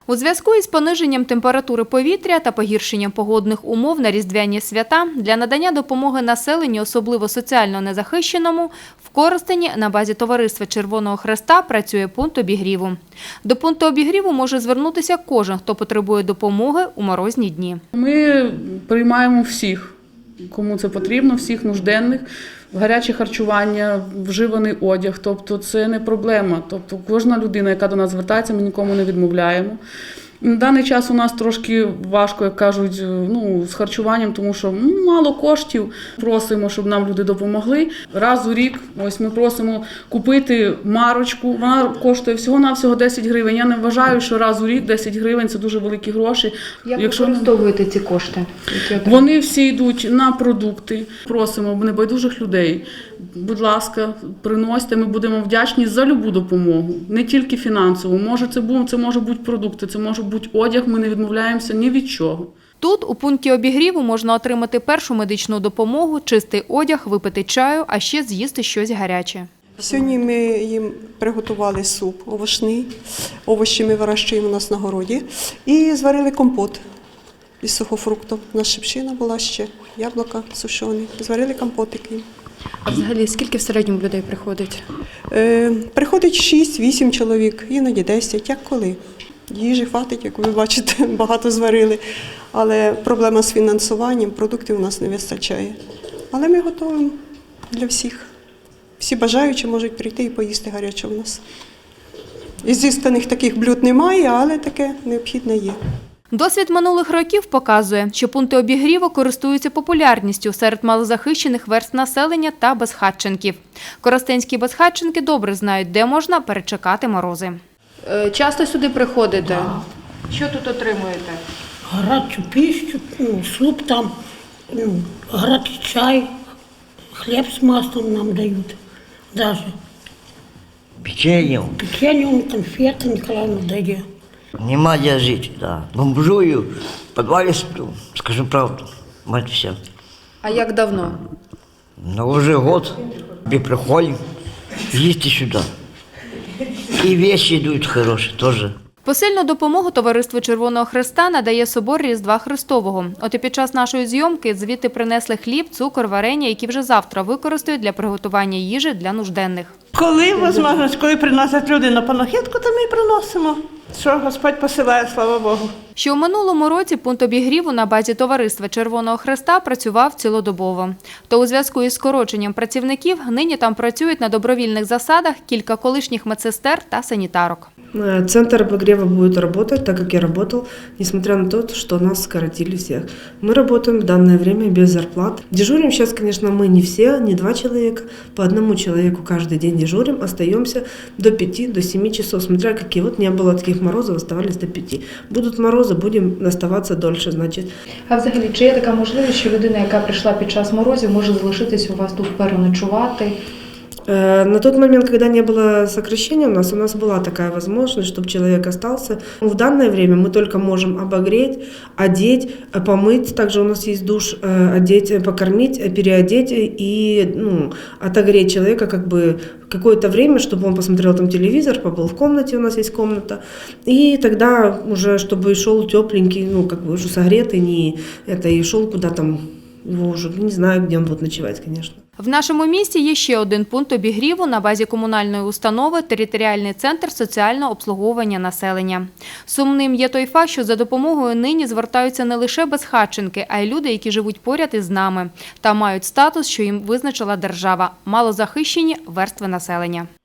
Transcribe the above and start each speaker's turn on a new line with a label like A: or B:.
A: У зв'язку із пониженням температури повітря та погіршенням погодних умов на різдвяні свята для надання допомоги населенню, особливо соціально незахищеному, в Коростені на базі Товариства Червоного Хреста працює пункт обігріву. До пункту обігріву може звернутися кожен, хто потребує допомоги у морозні дні.
B: Ми приймаємо всіх, кому це потрібно, всіх нужденних. Гаряче харчування, вживаний одяг, тобто це не проблема. Тобто кожна людина, яка до нас звертається, ми нікому не відмовляємо. На даний час у нас трошки важко, як кажуть, з харчуванням, тому що мало коштів. Просимо, щоб нам люди допомогли. Раз у рік ось ми просимо купити марочку. Вона коштує всього-навсього 10 гривень. Я не вважаю, що раз у рік 10 гривень – це дуже великі гроші.
A: Як використовуєте ці кошти?
B: Вони всі йдуть на продукти. Просимо небайдужих людей, будь ласка, приносьте, ми будемо вдячні за любу допомогу. Не тільки фінансову. Це може бути продукти, це може бути одяг, ми не відмовляємося ні від чого.
A: Тут, у пункті обігріву, можна отримати першу медичну допомогу, чистий одяг, випити чаю, а ще з'їсти щось гаряче.
C: Сьогодні ми їм приготували суп овочний, овочі ми вирощуємо у нас на городі, і зварили компот із сухофруктів. У нас шипшина була ще, яблука сушені, зварили компотики.
A: А взагалі, скільки в середньому людей приходить?
C: Приходить 6-8 чоловік, іноді 10, як коли. Їжі хватить, як ви бачите, багато зварили, але проблема з фінансуванням, продуктів у нас не вистачає. Але ми готуємо для всіх. Всі бажаючі можуть прийти і поїсти гаряче у нас. Ізісканих таких блюд немає, але таке необхідне є.
A: Досвід минулих років показує, що пункти обігріву користуються популярністю серед малозахищених верств населення та безхатченків. Коростенські безхатченки добре знають, де можна перечекати морози. Часто сюди приходите?
D: Да.
A: Що тут отримуєте?
D: Гарячу пищу, суп там, гарячий чай, хліб з маслом нам дають даже.
E: Печеньем.
D: Печенье, конфеты Николаевна дає.
E: Нема где жить, да. Бомжую, в подвале сплю, скажу правду, мать вся.
A: А як давно?
E: Но уже год, и приходим, їсти сюда. И вещи идут хорошие тоже.
A: Посильну допомогу Товариству Червоного Хреста надає собор Різдва Христового. От і під час нашої зйомки звідти принесли хліб, цукор, варення, які вже завтра використають для приготування їжі для нужденних.
F: Коли можливість, коли приносять люди на панахидку, то ми і приносимо. Що Господь посилає, слава Богу.
A: Що у минулому році пункт обігріву на базі Товариства Червоного Хреста працював цілодобово. То у зв'язку із скороченням працівників нині там працюють на добровільних засадах кілька колишніх медсестер та санітарок.
G: Центр обогрева будет работать, так как я работал, несмотря на то, что нас скоротили всех. Мы работаем в данное время без зарплат. Дежурим сейчас, конечно, мы не все, не 2 человека, по 1 человеку каждый день дежурим, остаемся до 5-7 часов, смотря какие. Вот не было таких морозов, оставались до 5. Будут морозы, будем оставаться дольше, значит.
H: А взагалі, чи є така можливість, що людина, яка прийшла під час морозів, може залишитись у вас тут переночувати?
G: На тот момент, когда не было сокращения, у нас была такая возможность, чтобы человек остался. В данное время мы только можем обогреть, одеть, помыть. Также у нас есть душ, одеть, покормить, переодеть и отогреть человека какое-то время, чтобы он посмотрел там телевизор, побыл в комнате, у нас есть комната. И тогда уже, чтобы шел тепленький, уже согретый, и шел куда там, его уже не знаю, где он будет ночевать, конечно.
A: В нашому місті є ще один пункт обігріву на базі комунальної установи «Територіальний центр соціального обслуговування населення». Сумним є той факт, що за допомогою нині звертаються не лише безхатченки, а й люди, які живуть поряд із нами та мають статус, що їм визначила держава – малозахищені верстви населення.